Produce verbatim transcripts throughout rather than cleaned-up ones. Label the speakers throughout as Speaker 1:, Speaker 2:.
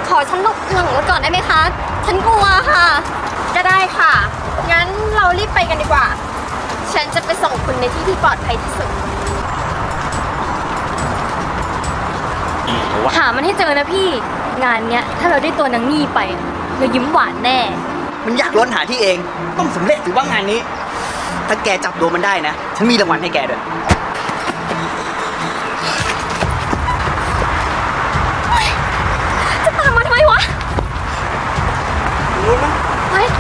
Speaker 1: ขอฉันหลบหลังรถก่อนได้ไหมคะ ฉันกลัวค่ะ
Speaker 2: ก็ได้ค่ะ งั้นเรารีบไปกันดีกว่า ฉันจะไปส่งคุณในที่ที่ปลอดภัยที่สุด
Speaker 1: หามันให้เจอนะพี่ งานเนี้ยถ้าเราได้ตัวนางนี่ไปเรายิ้มหวานแน่
Speaker 3: มันอยากล้นหาที่เอง ต้องสำเร็จถือว่างานนี้ ถ้าแกจับตัวมันได้นะ ฉันมีรางวัลให้แกด้วย
Speaker 1: จะตามมาทำไมวะ
Speaker 3: รู้ไหม
Speaker 1: เฮ้ย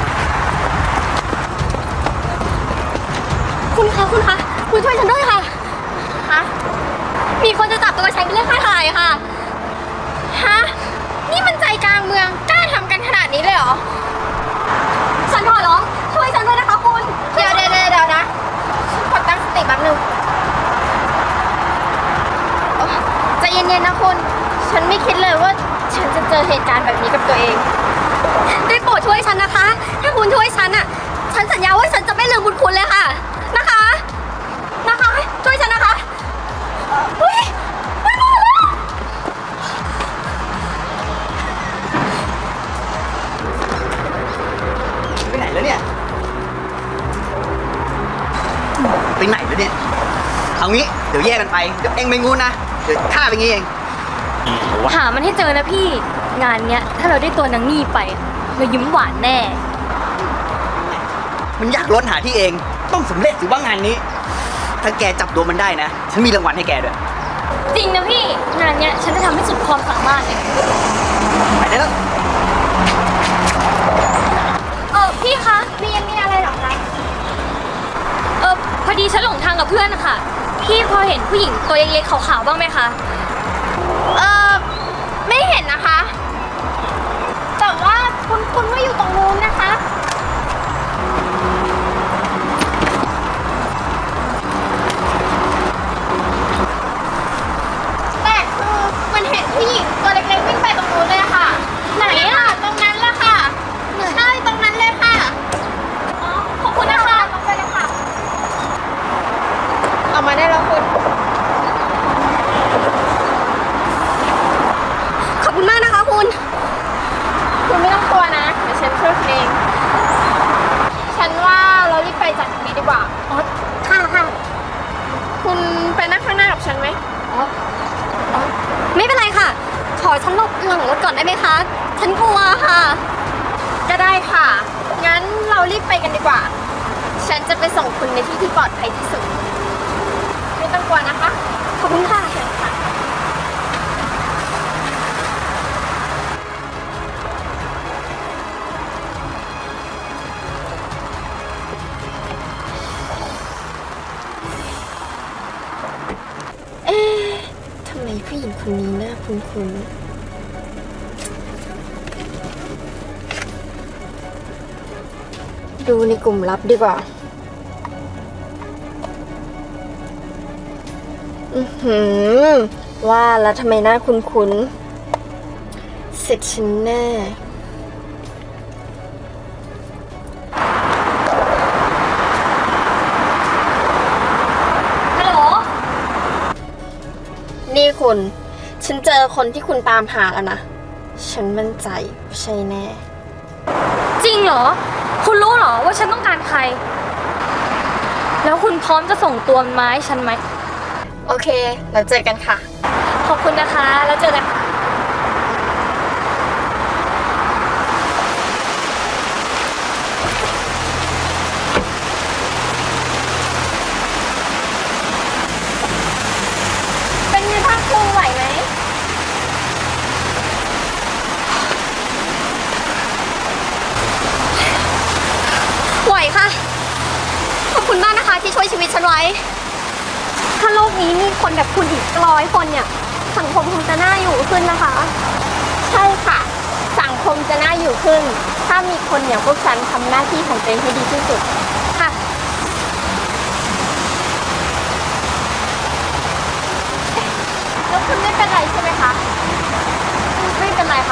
Speaker 1: คุณคะคุณคะคุณช่วยฉันด้วยค่ะ
Speaker 2: ฮะ
Speaker 1: มีคนจะจับตัวฉันไปเรียกค่าถ่ายค่ะ
Speaker 2: ฮะ นี่มันใจกลางเมือง กล้าทำกันขนาดนี้เลยเหรอ
Speaker 1: ฉันขอร้องช่วยฉันด้วยนะคะคุณ
Speaker 2: เดี๋ยวเดี๋ยวเดี๋ยวเดี๋ยวนะ ฉันขอตั้งสติแป๊บนึงโอ๊ยใจเย็นๆนะคุณ ฉันไม่คิดเลยว่า ฉันจะเจอเหตุการณ์แบบนี้กับตัวเอง
Speaker 1: ได้โปรดช่วยฉันนะคะ ถ้าคุณช่วยฉันอ่ะ ฉันสัญญาว่าฉันจะไม่ลืมบุญคุณเลยค่ะ นะคะ นะคะ ช่วยฉันนะคะเฮ้ยไม่มาแล้ว
Speaker 3: ไปไหนแล้วเนี่ย ไปไหนแล้วเนี่ย เอางี้ เดี๋ยวแยกกันไป เดี๋ยวเองไปงูนนะ เดี๋ยวข้าไปงี้เอง
Speaker 1: หามันให้เจอนะพี่ งานเนี้ยถ้าเราได้ตัวนางนี่ไปเรายิ้มหวานแน่
Speaker 3: มันอยากล้นหาที่เอง ต้องสำเร็จถือว่างานนี้ ถ้าแกจับตัวมันได้นะ ฉันมีรางวัลให้แกด้วย
Speaker 1: จริงนะพี่ งานเนี้ยฉันจะทำให้สุดความสามารถเลย
Speaker 3: ไปได้แล้ว
Speaker 1: เออพี่คะ มีมีอะไรหรอคะ เออพอดีฉันหลงทางกับเพื่อนนะคะพี่พอเห็นผู้หญิงตัวเล็กๆขาวๆบ้างไหมคะ
Speaker 2: เออไม่เห็นนะคะ แต่ว่าคุณคุณว่าอยู่ตรงนู้นนะคะ แต่คือมันเห็นผู้หญิงตัวเล็กๆวิ่งไปตรงนู้นเลยค่ะ ไหนอะตรงนั้นแหละค่ะ ใช่ตรงนั้นเลยค่ะ
Speaker 1: อ๋อ ขอบคุณนะคะ
Speaker 2: ลงไปเลยค่ะ เอามาได้แล้วคุณ
Speaker 1: ขอบคุณมากนะคะคุณ
Speaker 2: คุณไม่ต้องกลัวนะ เดี๋ยวฉันช่วยคุณเอง ฉันว่าเรารีบไปจากที่นี้ดีกว่า
Speaker 1: อ๋อ ค่ะค่ะ
Speaker 2: คุณไปนั่งข้างหน้ากับฉันไหม
Speaker 1: อ๋ออ๋อ ไม่เป็นไรค่ะ ขอฉันหลบหลังรถก่อนได้ไหมคะ ฉันกลัวค่ะ
Speaker 2: ก็ได้ค่ะ งั้นเรารีบไปกันดีกว่า ฉันจะไปส่งคุณในที่ที่ปลอดภัยที่สุด ไม่ต้องกลัวนะคะ
Speaker 1: ขอบคุณค่ะ
Speaker 2: เชิญค่ะ เอ๊ะทำไมผู้หญิงคนนี้น่าคุ้นๆ ดูในกลุ่มลับดีกว่า อือหือ ว่าแล้วทำไมหน้าคุ้นๆ เสร็จฉันแน่
Speaker 1: ฮัลโหล
Speaker 2: นี่คุณ ฉันเจอคนที่คุณตามหาแล้วนะ ฉันมั่นใจว่าใช่แน่
Speaker 1: จริงเหรอ คุณรู้เหรอว่าฉันต้องการใคร แล้วคุณพร้อมจะส่งตัวมันมาให้ฉันไหม
Speaker 2: โอเค เราเจอกันค่ะ
Speaker 1: ขอบคุณนะคะ แล้วเจอกันค่ะ
Speaker 2: เป็นไงบ้างคุณไหวไหม
Speaker 1: ไหวค่ะ ขอบคุณมากนะคะที่ช่วยชีวิตฉันไว้ ถ้าโลกนี้มีคนแบบคุณอีกร้อยคนเนี่ย สังคมคงจะน่าอยู่ขึ้นนะคะ
Speaker 2: ใช่ค่ะ สังคมจะน่าอยู่ขึ้น ถ้ามีคนอย่างพวกฉันทำหน้าที่ของตัวเองให้ดีที่สุด
Speaker 1: ค่ะ
Speaker 2: แล้วคุณไม่เป็นไรใช่ไหมคะ
Speaker 1: ไม่เป็นไรค่ะ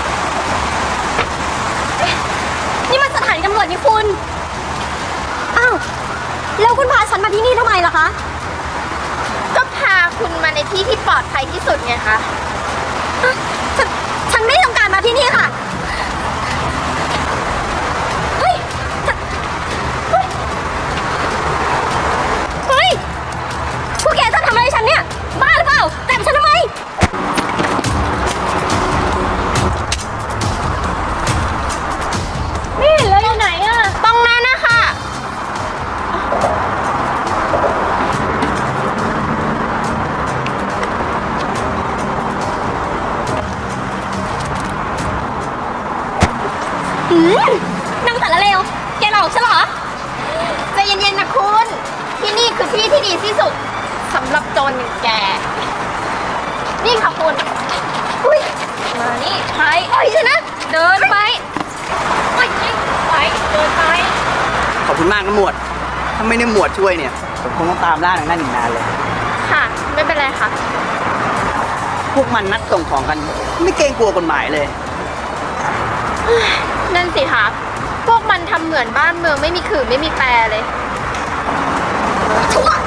Speaker 1: เอ๊ะนี่มันสถานีตำรวจนี่คุณ อ้าว แล้วคุณพาฉันมาที่นี่ทำไมล่ะคะ
Speaker 2: ก็พาคุณมาในที่ที่ปลอดภัยที่สุดไงคะ
Speaker 1: อ่ะฉันฉันไม่ต้องการมาที่อืมนางสารเลวแกหลอกฉันเหรอ
Speaker 2: ใจเย็นๆนะคุณ ที่นี่คือที่ที่ดีที่สุดสำหรับโจรอย่างแก นี่ค่ะคุณ
Speaker 1: อุ้ย
Speaker 2: มานี่
Speaker 1: ไปปล่อยฉันนะ
Speaker 2: เดินไปไปไปเดินไป
Speaker 3: ขอบคุณมากนะหมวด ถ้าไม่ได้หมวดช่วยเนี่ย ผมคงต้องตามล่านางนั่นอีกนานเลย
Speaker 2: ค่ะ ไม่เป็นไรค่ะ
Speaker 3: พวกมันนัดส่งของกัน ไม่เกรงกลัวกฎหมายเลย
Speaker 2: นั่นสิคะพวกมันทำเหมือนบ้านเมืองไม่มีขื่อไม่มีแปรเลย
Speaker 1: ชั่ว